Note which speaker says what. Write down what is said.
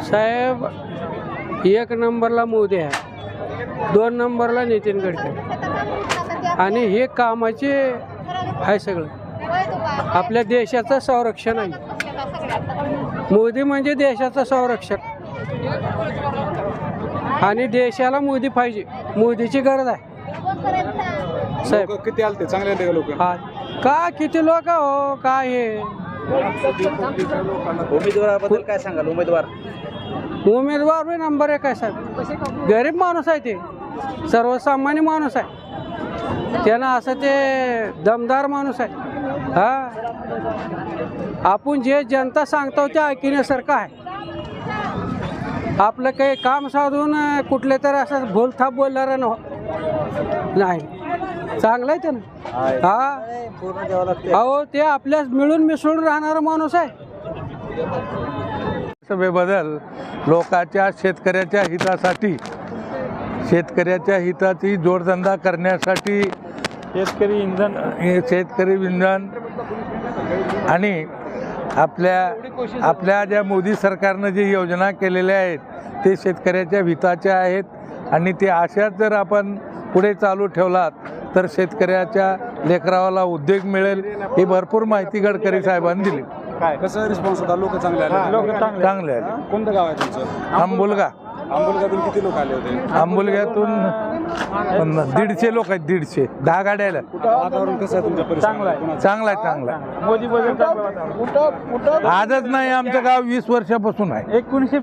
Speaker 1: साहेब 1 नंबरला मोदी आहे, 2 नंबरला नितीन गडकरी आणि हे कामाचे आहे सगळं. आपल्या देशाचं संरक्षण आहे. मोदी म्हणजे देशाचं संरक्षक आणि देशाला मोदी पाहिजे. मोदीची गरज आहे साहेब.
Speaker 2: किती आलते चांगले आले लोक?
Speaker 1: हा का किती लोक हो काय हे
Speaker 2: उमेदवाराबद्दल काय सांगाल?
Speaker 1: उमेदवार बी नंबर 1 आहे साहेब. गरीब माणूस आहे, ते सर्वसामान्य माणूस आहे, त्यानं असं ते दमदार माणूस आहे. हा आपण जे जनता सांगतो ते ऐकण्यासारखं आहे. आपलं काही काम साधून कुठले तर असं भूलथाप बोलणार नाही. चांगलं आहे त्यानं. हा अहो ते आपल्यास मिळून मिसळून राहणारा माणूस आहे.
Speaker 3: सभेबद्दल लोकांच्या शेतकऱ्याच्या हितासाठी, शेतकऱ्याच्या हिताची जोडधंदा करण्यासाठी शेतकरी इंधन आणि आपल्या ज्या मोदी सरकारनं जी योजना केलेल्या आहेत ते शेतकऱ्याच्या हिताच्या आहेत आणि ते अशाच जर आपण पुढे चालू ठेवलात तर शेतकऱ्याच्या लेकरावाला उद्योग मिळेल. ही भरपूर माहिती गडकरी साहेबांनी दिली.
Speaker 2: कसं रिस्पॉन्स होता? लोक चांगले आले?
Speaker 3: चांगले आले.
Speaker 2: कोणतं गाव आहे तुमचं?
Speaker 3: आंबुलगा.
Speaker 2: आंबुलगातून किती लोक आले होते?
Speaker 3: आंबुलग्यातून 150 लोक आहेत. 150 10 गाड्या आल्या.
Speaker 2: वातावरण कसं आहे तुमच्या परिसरात?
Speaker 3: चांगला आहे. आजच नाही, आमचं गाव 20 वर्षापासून आहे.